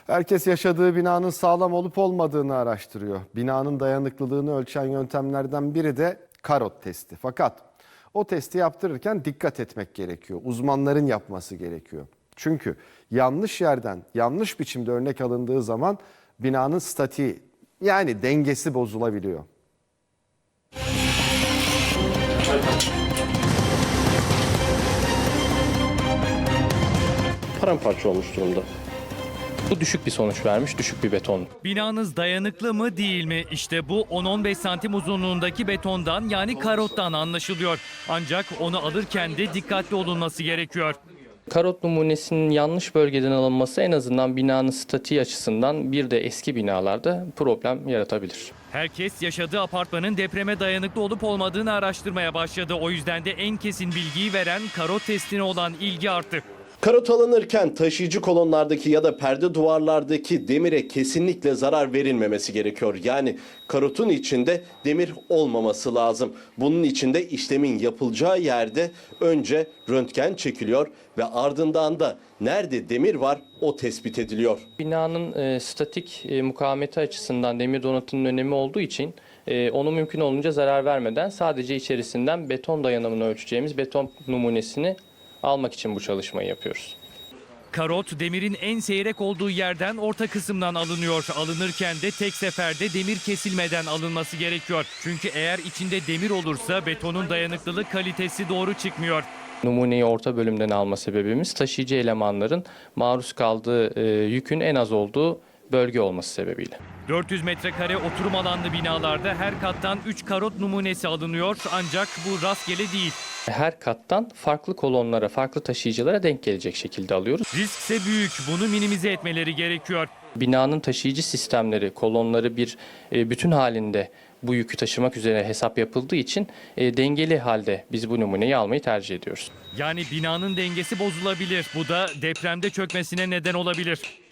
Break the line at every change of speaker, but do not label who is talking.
Herkes yaşadığı binanın sağlam olup olmadığını araştırıyor. Binanın dayanıklılığını ölçen yöntemlerden biri de karot testi. Fakat o testi yaptırırken dikkat etmek gerekiyor. Uzmanların yapması gerekiyor. Çünkü yanlış yerden, yanlış biçimde örnek alındığı zaman binanın statiği, yani dengesi bozulabiliyor.
Paramparça olmuş durumda. Bu düşük bir sonuç vermiş, düşük bir beton.
Binanız dayanıklı mı değil mi? İşte bu 10-15 santim uzunluğundaki betondan, yani karottan anlaşılıyor. Ancak onu alırken de dikkatli olunması gerekiyor.
Karot numunesinin yanlış bölgeden alınması en azından binanın statiği açısından bir de eski binalarda problem yaratabilir.
Herkes yaşadığı apartmanın depreme dayanıklı olup olmadığını araştırmaya başladı. O yüzden de en kesin bilgiyi veren karot testine olan ilgi arttı.
Karot alınırken taşıyıcı kolonlardaki ya da perde duvarlardaki demire kesinlikle zarar verilmemesi gerekiyor. Yani karotun içinde demir olmaması lazım. Bunun için de işlemin yapılacağı yerde önce röntgen çekiliyor ve ardından da nerede demir var o tespit ediliyor.
Binanın statik mukavemeti açısından demir donatının önemi olduğu için onu mümkün olunca zarar vermeden sadece içerisinden beton dayanımını ölçeceğimiz beton numunesini almak için bu çalışmayı yapıyoruz.
Karot demirin en seyrek olduğu yerden, orta kısımdan alınıyor. Alınırken de tek seferde demir kesilmeden alınması gerekiyor. Çünkü eğer içinde demir olursa betonun dayanıklılık kalitesi doğru çıkmıyor.
Numuneyi orta bölümden alma sebebimiz taşıyıcı elemanların maruz kaldığı yükün en az olduğu bölge olması sebebiyle.
400 metrekare oturum alanlı binalarda her kattan 3 karot numunesi alınıyor. Ancak bu rastgele değil.
Her kattan farklı kolonlara, farklı taşıyıcılara denk gelecek şekilde alıyoruz.
Riskse büyük. Bunu minimize etmeleri gerekiyor.
Binanın taşıyıcı sistemleri, kolonları bir bütün halinde bu yükü taşımak üzere hesap yapıldığı için dengeli halde biz bu numuneyi almayı tercih ediyoruz.
Yani binanın dengesi bozulabilir. Bu da depremde çökmesine neden olabilir.